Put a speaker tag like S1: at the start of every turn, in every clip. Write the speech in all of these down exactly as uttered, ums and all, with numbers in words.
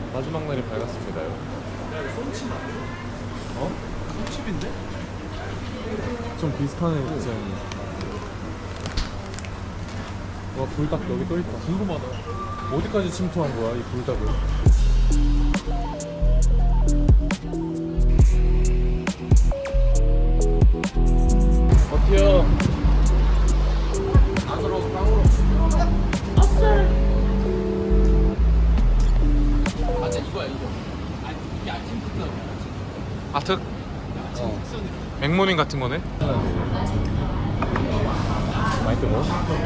S1: 마지막 날이 밝았습니다요.
S2: 야 이거 솜칩 아니야?
S1: 어?
S2: 솜칩인데?
S1: 좀 비슷하네 디자인이. 와 불닭 여기 또 있다.
S2: 궁금하다.
S1: 어디까지 침투한 거야 이 불닭을? 어때요?
S2: 안으로 빵으로. 맞아 이거야 이거. 아니 이게 아침 특선.
S1: 아특?
S2: 아침 특선이.
S1: 맥모닝 같은 거네? 많이 뜨거워?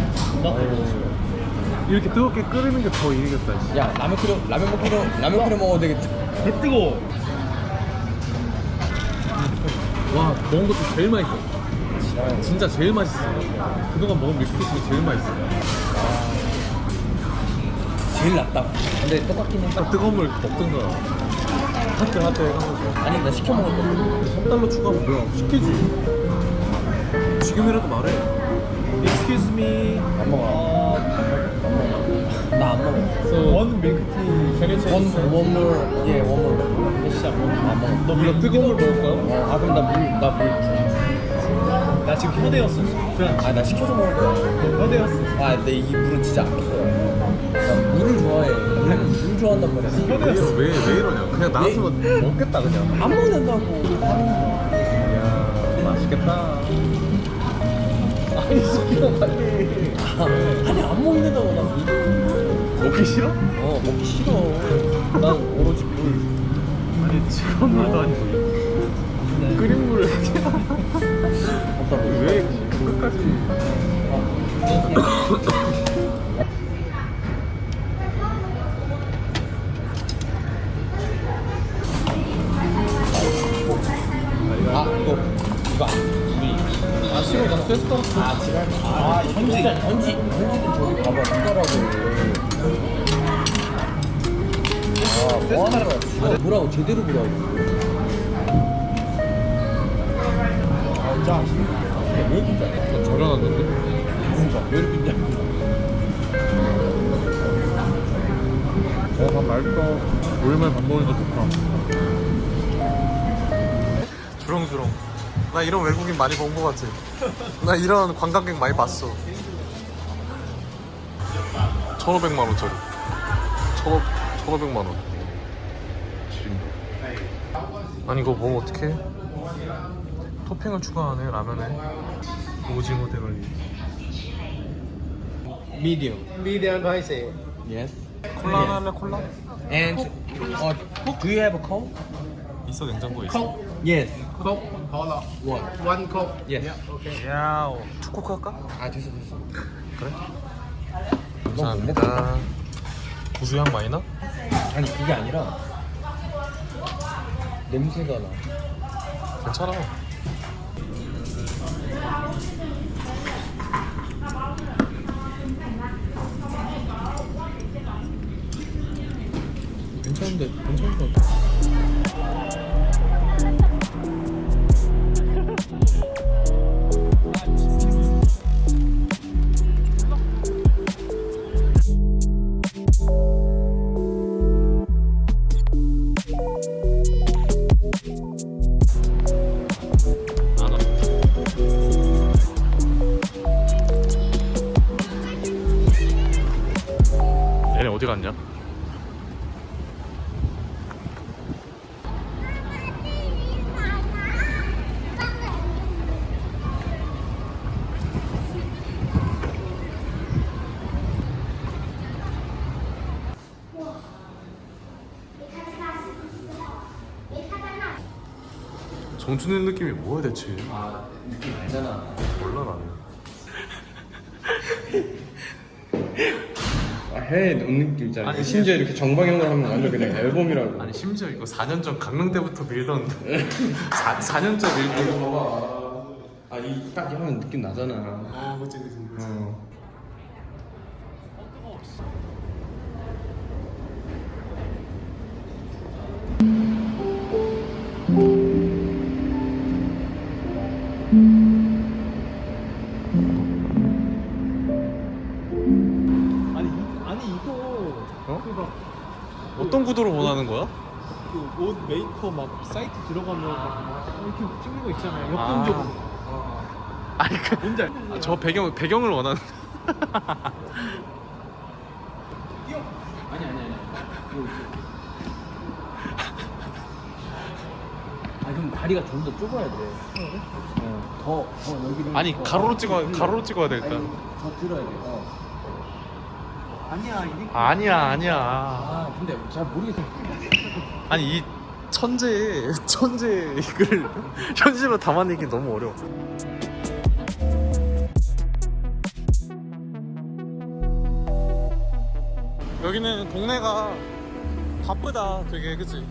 S1: 이렇게 뜨겁게 끓이는 게 더 이기겠다. 씨.
S3: 야 라면 끓여 라면 먹기로 라면 끓여 먹어도 되겠다.
S2: 개 뜨거워.
S1: 와 먹은 것도 제일 맛있어. 진짜 제일 맛있어. 그동안 먹은 밀크티 중에 제일 맛있어.
S3: 제일 낫다. 근데 똑같긴 해.
S1: 딱 뜨거운 물 먹든가. 핫대 핫대 해가지고.
S3: 아니 나 시켜 먹을 거.
S1: 삼 달러 추가하면 뭐야? 시키지. 지금이라도 말해. Excuse me.
S3: 안 먹어. 나 안 먹어.
S1: So one milk tea. Can you change?
S3: 원 원물 예 원물.
S2: 진짜 뭐.
S3: 안 먹어.
S1: 너 물론 뜨거운 물 먹을 거야?
S3: 어, 아 그럼 나물나물
S2: 나 지금 혀대였어. 그냥
S3: 아 나 시켜서 먹을 거야.
S2: 혀대였어.
S3: 아 근데 이 물은 진짜 아낄 거야. 나 물을 좋아해. 물, 물 좋아한단 말이야.
S2: 혀대였어.
S1: 왜, 왜 이러냐? 그냥 나한테만 먹겠다 그냥.
S3: 안 먹는다고.
S1: 이야 맛있겠다.
S3: 아니 시키면 빨리. 아니 안 먹는다고 나 물.
S1: 먹기 싫어?
S3: 어 먹기 싫어. 난 오로지 물.
S1: 아니 지금 물도 아니고 끓인 물을
S3: 없다고.
S1: 왜 끝까지?
S3: 아 이거 이거 우리
S1: 아 싫어 나 쇠스 떨었어.
S3: 아 지랄. 아 현지 현지 현지는 저기 봐봐 누가라고. 아 뭐하는 거야? 이거 보라고 제대로 보라고. 아 짜. 왜 이렇게 짜?
S1: 절여놨는데?
S3: 그러니까 왜 이렇게 짜?
S1: 어밥 맛있어. 오랜만에 밥 먹으니까 좋다. 주렁주렁. 나 이런 외국인 많이 본 거 같아. 나 이런 관광객 많이 봤어. 천오백만 원짜리. 천오, 천오백만 원. 지린다. 아니 이거 먹으면 어떡해? 토핑을 추가하네 라면에. 오징어 대가리.
S3: Medium.
S2: 미디엄 스파이시.
S3: Yes.
S1: 콜라 하면 콜라?
S3: And uh, do you have a coke?
S1: 있어 냉장고에 있어.
S3: Yes.
S2: 컵 콜라.
S3: One.
S2: 원 컵.
S3: Yes.
S2: 오케이.
S1: 야우. 투코크 할까?
S3: 아 됐어 됐어.
S1: 그래?
S3: 너무 못
S1: 감사합니다. 고수향 많이 나?
S3: 아니 그게 아니라 냄새가 나.
S1: 괜찮아.
S3: 괜찮은데 괜찮을 것 같아.
S1: 안 와. 얘네 어디 갔냐? 정준일 느낌이 뭐야 대체?
S3: 아 느낌 알잖아.
S1: 몰라 나는.
S3: 아, 해외 노는 느낌 있잖아.
S1: 아니,
S3: 심지어 이렇게 정방향으로 하면 완전 그냥 앨범이라고.
S1: 아니 심지어 이거 사 년 전 강릉 때부터 밀던 사, 사 년째 밀던
S3: 봐봐. 아이 딱 하면 느낌 나잖아.
S1: 아 그치 그치 그치.
S3: 어.
S2: 아니 이, 아니 이거
S1: 어?
S2: 그거
S1: 어떤 구도를 원하는 거야?
S4: 그 옷 메이커 막 사이트 들어가면 막 이렇게 찍는 거 있잖아요.
S1: 아.
S4: 역동적으로.
S1: 아니 그,
S4: 뭔지 알?
S1: 아, 저 배경 배경을 원하는.
S3: 아니 아니 아니. 이거 있어. 아 그럼 다리가 좀 더 좁아야 돼. 어, 더, 더 여기를.
S1: 아니
S3: 더-
S1: 가로로
S3: 더
S1: 찍어
S3: 들려.
S1: 가로로 찍어야 돼 일단.
S3: 아니, 더 들어야 돼. 어.
S4: 아니야 이게.
S1: 아니야 아니야.
S3: 아 근데 잘 모르겠어.
S1: 아니 이 천재 천재 이걸 현실로 담아내기 너무 어려워. 여기는 동네가 바쁘다 되게 그치?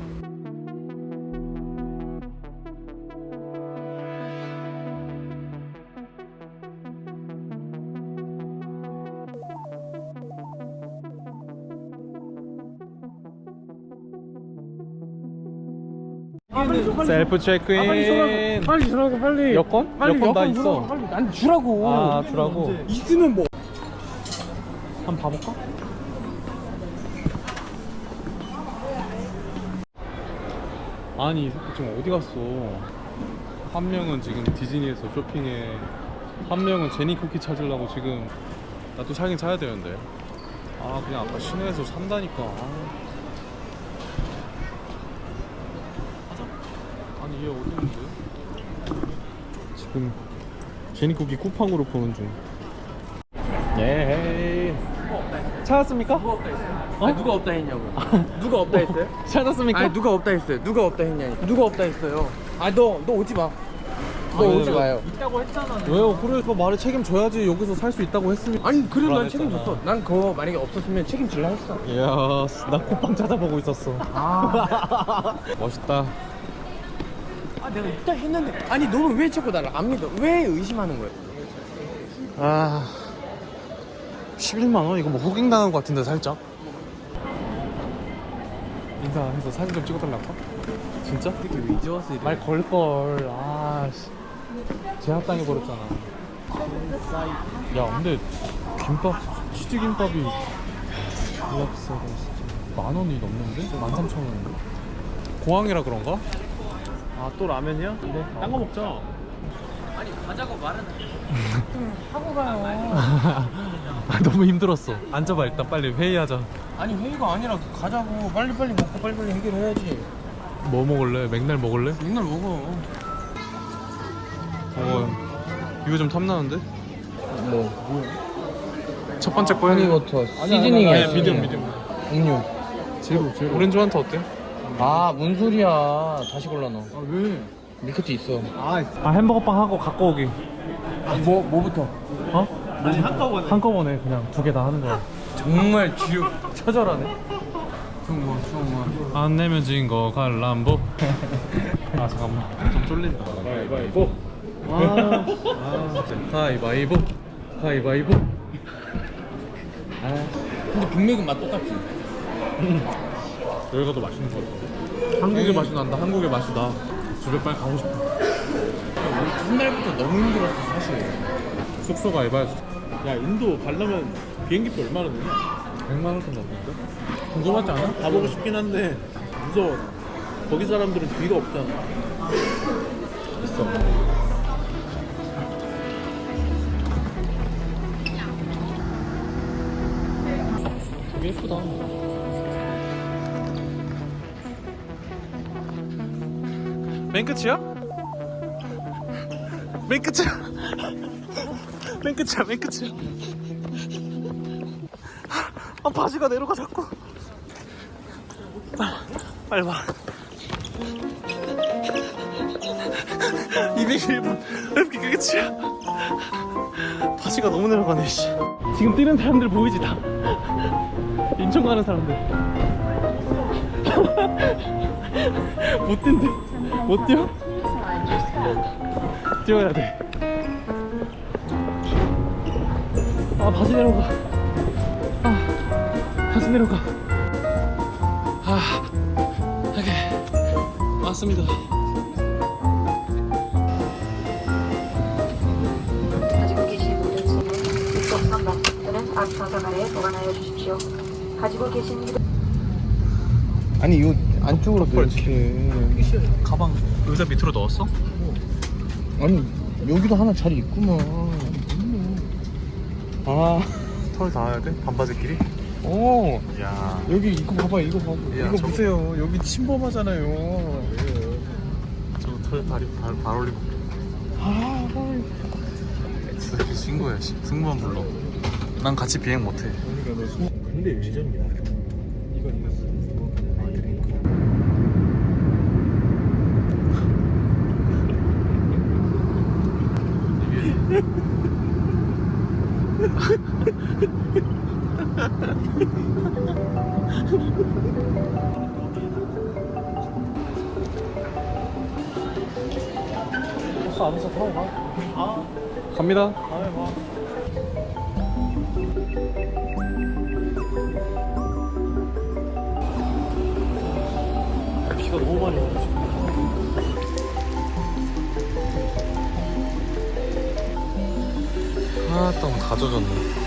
S1: 셀프 체크인.
S4: 빨리 주라고 빨리.
S1: 여권?
S4: 빨리
S1: 여권 다
S4: 여권
S1: 있어.
S4: 주라고, 빨리. 난 주라고.
S1: 아 주라고.
S4: 있으면 뭐.
S1: 한번 봐볼까? 아니 이 새끼 지금 어디 갔어? 한 명은 지금 디즈니에서 쇼핑해, 한 명은 제니 쿠키 찾으려고 지금. 나도 사긴 사야 되는데. 아 그냥 아까 시내에서 산다니까. 아. 하자. 아니 얘 어디 있는데? 지금 제니 쿠키 쿠팡으로 보는 중. 예. 찾았습니까?
S3: 누가 없다 했어요?
S1: 어?
S3: 아, 누가 없다 했냐고. 누가 없다 했어요?
S1: 찾았습니까?
S3: 아니 누가 없다 했어요? 누가 없다 했냐? 누가 없다 했어요? 아 너 너 오지 마. 너
S1: 아니,
S3: 오지
S1: 왜-
S3: 마요.
S4: 있다고 했잖아.
S1: 왜요? 그래서 말에 책임져야지. 여기서 살 수 있다고 했으면.
S3: 아니 그래도 난
S1: 불안했잖아.
S3: 책임졌어. 난 그거 만약에 없었으면 책임질라 했어.
S1: 이야, 나 쿠팡 찾아보고 있었어.
S3: 아.
S1: 멋있다.
S3: 아 내가 있다 했는데. 아니 너는 왜 자꾸 나를 안 믿어? 왜 의심하는 거야?
S1: 아, 십일만 원? 이거 뭐 호갱 당한 것 같은데 살짝. 인사해서 사진 좀 찍어달라고? 진짜?
S3: 이렇게 왜 이제 와서 이래?
S1: 말 걸걸. 아, 씨. 제압당해 버렸잖아. 야, 근데 김밥, 치즈 김밥이 만 원이 넘는데? 만 삼천 원인데? 공항이라 그런가?
S4: 아 또 라면이야? 네. 딴 거 먹자.
S3: 아니 가자고 말은
S4: 하고 가요.
S1: 아, 너무 힘들었어. 앉아봐 일단 빨리 회의하자.
S3: 아니 회의가 아니라 가자고 빨리빨리 먹고 빨리빨리 해결해야지.
S1: 뭐 먹을래? 맥날 먹을래?
S3: 맨날 먹어.
S1: 어, 이거 좀 탐나는데?
S3: 뭐
S1: 첫 번째 거야.
S3: 허니버터
S1: 아니,
S3: 시즈닝이야.
S1: 미디엄 미디엄.
S3: 음료.
S1: 제로 제로. 오렌지 환타 어때?
S3: 아, 뭔 소리야. 다시 골라 넣어.
S4: 아 왜?
S3: 밀크티 있어.
S4: 아
S1: 아 햄버거빵 하고 갖고 오기.
S3: 뭐, 뭐부터?
S1: 어?
S4: 아니 한꺼번에.
S1: 한꺼번에 그냥 두 개 다 하는 거야.
S3: 정말 지옥 처절하네. 좋은 좋은
S1: 안 내면 진 거 갈람보. 아 잠깐만 좀 쫄린다. 가위바위보.
S4: 아,
S1: 아 가위바위보. 가위바위보.
S3: 아, 근데 빅맥은 맛 똑같지?
S1: 여기가 더 맛있는 거 같아. 한국의 맛이 난다. 한국의 맛이 나. 집에 빨리 가고 싶어.
S3: 첫날부터 너무 힘들었어, 사실.
S1: 숙소가 에바였어.
S4: 야 인도 가려면 비행기표 얼마나 드냐?
S1: 백만 원 정도 같은데?
S4: 궁금하지 않아? 가보고 싶긴 한데 무서워. 나. 거기 사람들은 뒤가 없잖아.
S1: 있어. 되게 예쁘다. 맨 끝이야? 맨 끝이야? 맨 끝이야, 맨 끝이야. 아, 바지가 내려가 자꾸. 빨리 봐. 이백일 분 이렇게 끝이야. 바지가 너무 내려가네. 씨. 지금 뛰는 사람들 보이지 다. 인천 가는 사람들. 못 뛴대. 못 뛰어? 뛰어야 돼. 아 바지 내려가. 아 바지 내려가. 아 오케이 왔습니다.
S5: 가지고 계신 무전기는 급격한 망치들은 앞서 자갈에 보관하여 주십시오. 가지고 계신 휴대...
S4: 아니 요 안쪽으로 이렇게.
S1: 가방 의자 밑으로 넣었어?
S4: 아니 여기도 하나 자리 있구만.
S1: 아, 털 닿아야 돼? 반바지끼리?
S4: 어
S1: 야,
S4: 여기 이거 봐봐 이거 봐봐
S1: 야,
S4: 이거
S1: 저거-
S4: 보세요 여기 침범하잖아요.
S1: 저 털 다리 발, 발 올리고.
S4: 아
S1: 진짜 친구야, 씨. 승무원 불러. 난 같이 비행 못해.
S4: 그러니까 너 소... 근데 요시전이야. 이건 이겼어. 아 그러니까.
S1: 버스 안에서 타고 가. 아, 갑니다.
S4: 다음에 봐.
S1: 비가 너무 많이 오고 지금. 아, 땀 다 젖었네.